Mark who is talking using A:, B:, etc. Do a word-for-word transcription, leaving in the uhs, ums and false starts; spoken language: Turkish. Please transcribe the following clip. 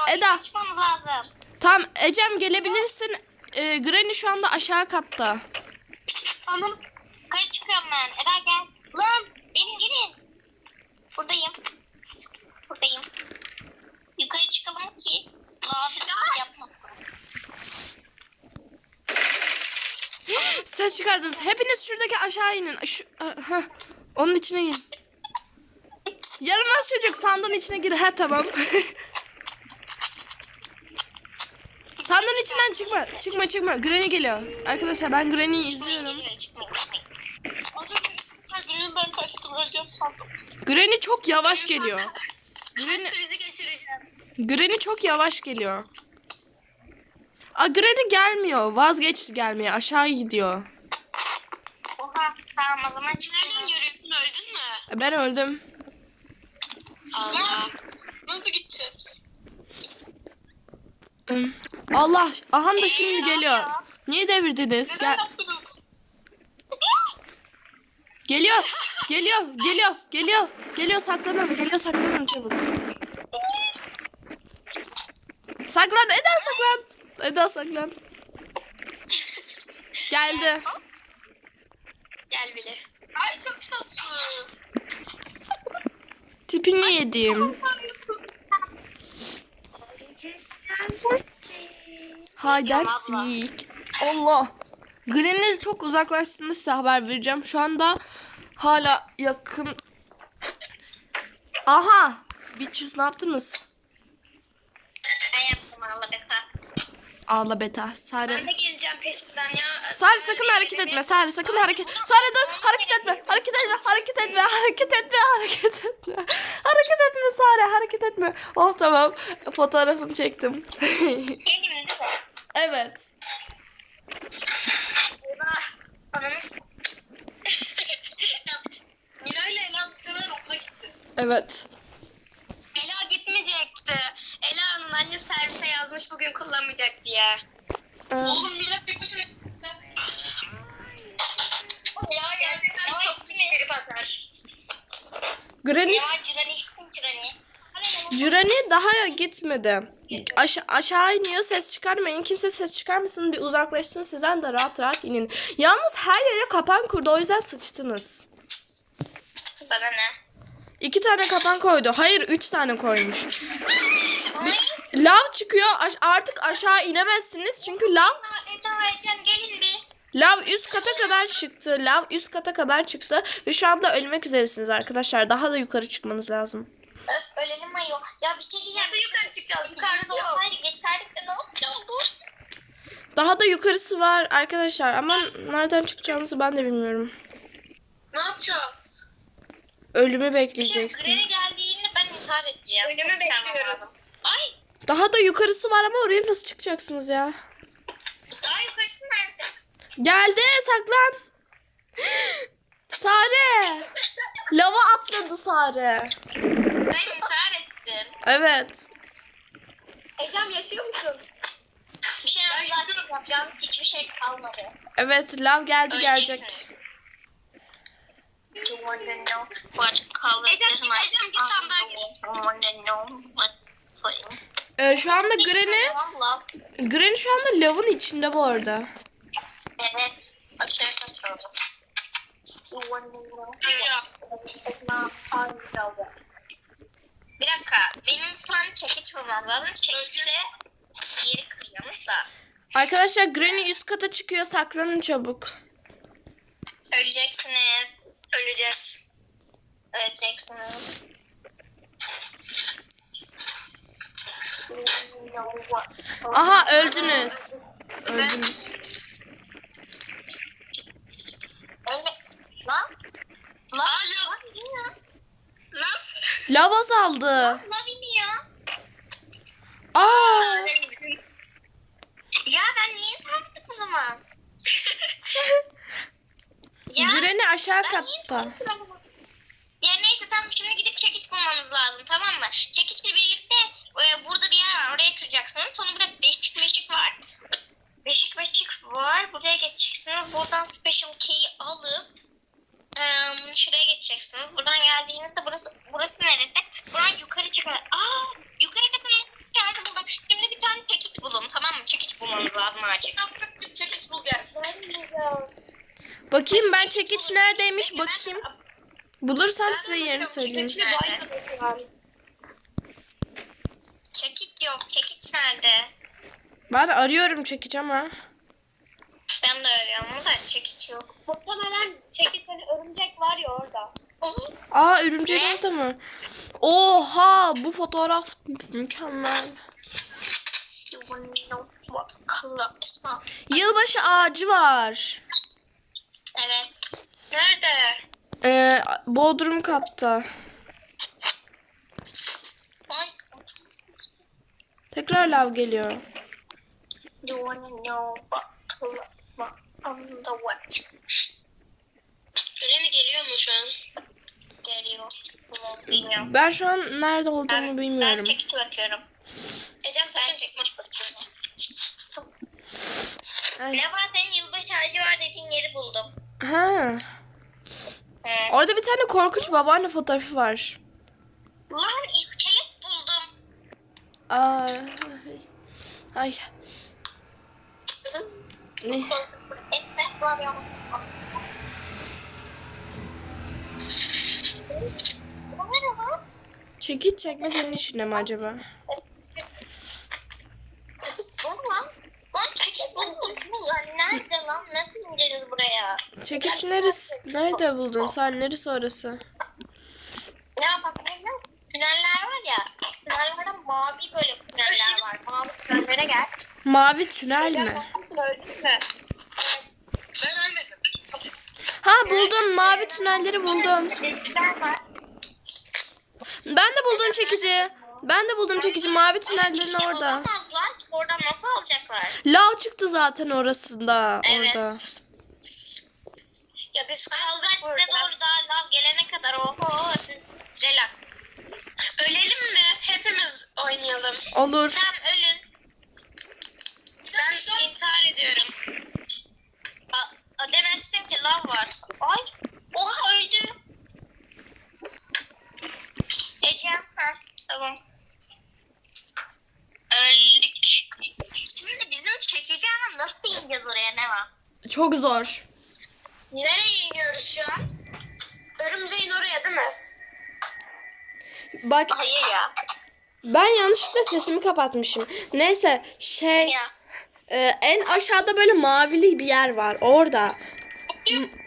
A: Eda.
B: Çıkmamız lazım.
A: Tamam Ecem gelebilirsin. Ee, Granny şu anda aşağı katta.
B: Anam. Yukarı çıkıyorum ben. Eda gel. Lan. Gelin gelin. Buradayım. Buradayım. Yukarı çıkalım ki. Abi yapma.
A: Ses çıkardınız. Hepiniz şuradaki aşağı inin. Şu, heh, onun içine in. Yaramaz çocuk sandığın içine gir. Ha tamam. Sandığın içinden çıkma. Çıkma çıkma. Granny geliyor. Arkadaşlar ben Granny'yi izliyorum.
B: Granny ben kaçtım öleceğim sandım.
A: Granny çok yavaş geliyor. Granny,
B: Bizi geçireceğim.
A: Granny çok yavaş geliyor. Aa, Granny gelmiyor. Vazgeçti gelmeye. Aşağı gidiyor.
B: Oha tamam o zaman çıkıyorum. Nereden görüyorsun öldün mü?
A: Ben öldüm.
B: Allah. Nasıl gideceğiz?
A: Allah. Ahan da şimdi geliyor. Niye devirdiniz? Gel. Geliyor. Geliyor. Geliyor. Geliyor. Geliyor saklanın. Geliyor saklanın çabuk. Saklan Eda saklan. Eda saklan. Geldi.
B: Gel bile. Ay çok tatlı.
A: Tipini yedim. Haydersik. Allah. Granny çok uzaklaştığında size haber vereceğim. Şu anda hala yakın. Aha. Bitches ne yaptınız?
B: Ben yaptım Allah beta.
A: Ağla beta. Sare.
B: Ben de geleceğim peşinden ya.
A: Sare sakın hareket etme. Sare sakın hareket. Sare dur. Hareket etme. Hareket etme. Hareket etme. Hareket etme. Hareket etme. Hareket etme Sare. Hareket etme. Oh tamam. Fotoğrafını çektim.
B: Geleyim değil mi?
A: Evet.
B: Eyvah. Ananı. Mira ile Ela muhtemelen okula gitti.
A: Evet.
B: Ela gitmeyecekti. Ela'nın anne servise yazmış bugün kullanmayacak diye.
A: Ee,
B: Oğlum Mira tek başına gitti. Ya gerçekten çok trip atar.
A: Granny,
B: Ya Cürani, Cürani.
A: Granny daha gitmedi. Aşa aşağı iniyor. Ses çıkarmayın. Kimse ses çıkarmasın. Bir uzaklaşsın sizden de rahat rahat inin. Yalnız her yere kapan kurdu. O yüzden sıçtınız.
B: Bana ne?
A: İki tane kapan koydu. Hayır üç tane koymuş. Bir, lav çıkıyor. Aş artık aşağı inemezsiniz. Çünkü lav
B: Eda Ecem gelin bir.
A: lav üst kata kadar çıktı. Lav üst kata kadar çıktı. Ve şu anda ölmek üzeresiniz arkadaşlar. Daha da yukarı çıkmanız lazım.
B: Öf ölelim ayol. Ya bir şey diyeceğim. Nasıl yukarı çıkacağız? Yukarıda olsaydı geçerdik de ne yapacağız? Dur.
A: Daha da yukarısı var arkadaşlar. Ama nereden çıkacağımızı ben de bilmiyorum.
B: Ne yapacağız?
A: Ölümü
B: Şey,
A: bekleyeceksiniz.
B: Green'e geldiğinde ben intihar edeceğim. Ölümü bekliyorum. Ay.
A: Daha da yukarısı var ama oraya nasıl çıkacaksınız ya?
B: Daha yukarısı nerede?
A: Geldi saklan. Sare. Lava atladı Sare.
B: Ben intihar ettim.
A: Evet.
B: Ecem yaşıyor musun? Bir şey anlatacağım. Yapacağım hiçbir şey kalmadı.
A: Evet lav geldi gelecek.
B: Ecem, Ecem git sandalye.
A: Ee, şu anda Granny, Granny şu anda lavın içinde bu arada.
B: Evet. Aşağıya kaçalım. Bir dakika. Benim bir tane çekiç bulmam lazım. Çekiçle yeri kırıyormuş da.
A: Arkadaşlar Granny üst kata çıkıyor. Saklanın çabuk.
B: Öleceksiniz. Öleceğiz. Öleceksiniz.
A: Aha öldünüz. Öldünüz.
B: Ölme. Lan. Lan. Lan. Lan.
A: Lav azaldı.
B: Lan iniyor.
A: Aa.
B: Ya ben niye tarttım o zaman? Ya.
A: Granny aşağı
B: Ben niye
A: katta.
B: tarttım o zaman? Ya neyse tamam şimdi gidip çekiç bulmanız lazım tamam mı? Çekiçle birlikte e, burada bir yer var oraya kıracaksınız. Sonra burada beşik beşik var. Beşik beşik var. Buraya geçeceksiniz. Buradan special key'i alıp e, şuraya geçeceksiniz. Buradan geldiğinizde burası burası neresi? Buradan yukarı çıkın. Aa yukarı katın şansı buldum. boğazıma açık.
C: Çekiç bul gel.
A: Bakayım ben çekiç neredeymiş bakayım. Bulursam size yerini söyleyeyim.
C: Çekiçli bayrağı.
B: Çekiç yok. Çekiç nerede?
A: Ben arıyorum çekiç ama.
B: Ben de arıyorum da çekiç yok.
C: Muhtemelen çekiç hani örümcek var ya orada.
A: Aa örümcek
B: Ne?
A: orada mı? Oha bu fotoğraf mükemmel. Yılbaşı ağacı var.
B: Evet. Nerede?
A: Ee, Bodrum katta.
B: Ay.
A: Tekrar lav geliyor.
B: You wanna know what what on the what?
C: Granny geliyor mu şu an?
B: Geliyor. Bilmiyorum.
A: Ben şu an nerede olduğumu
B: Ben,
A: bilmiyorum.
B: ben çekici bakıyorum.
C: Ecem sen
B: Ben
C: çek.
B: çekmek bakıyorum.
A: Ay.
B: Ne var senin yılbaşı ağacı var dediğin yeri buldum.
A: Ha.
B: He.
A: Orada bir tane korkunç babaanne fotoğrafı var.
B: Lan iskelet buldum.
A: Aa. Ay. Ne?
B: Etmek var ya. Bu ne lan?
A: Çekiç çekmecenin içinde mi acaba?
B: Bu ne lan? Lan çekiç buldum. Lan nerede lan? Nasıl ineceğiz buraya?
A: Çekiç neresi? Nerede buldun sen? Neresi orası?
B: Ne yapalım biliyor musun? Tüneller var ya. Tünellerde mavi böyle tüneller var. Mavi tünellere gel.
A: Mavi tünel mi?
B: Öldün mü?
C: Ben ölmedim.
A: Ha buldum. Mavi tünelleri buldum.
B: Tüneller var.
A: Ben de buldum çekici. Ben de buldum çekici. Mavi tünellerin orada.
B: Olamazlar. Oradan nasıl alacaklar?
A: Lav çıktı zaten orasında.
B: Evet.
A: Orada.
C: Ya biz
B: Kaldık
C: kaldık
B: burada.
C: burada.
B: Doğru daha lav gelene kadar. Oho. Siz relax.
C: Ölelim mi? Hepimiz oynayalım.
A: Olur.
B: Tamam ölün.
C: Ben intihar ediyorum.
B: A, a demezsin ki lav var. Ay. Oha öldü. Ecem. Ha, tamam. Öldük. Şimdi bizim çekeceğimiz nasıl ineceğiz oraya ne var?
A: Çok zor.
B: Nereye iniyoruz şu an?
C: Örümceğin oraya değil mi?
A: Bak
B: Hayır ya.
A: ben yanlışlıkla sesimi kapatmışım. Neyse şey
B: Ya.
A: e, en aşağıda böyle mavili bir yer var. Orada. M-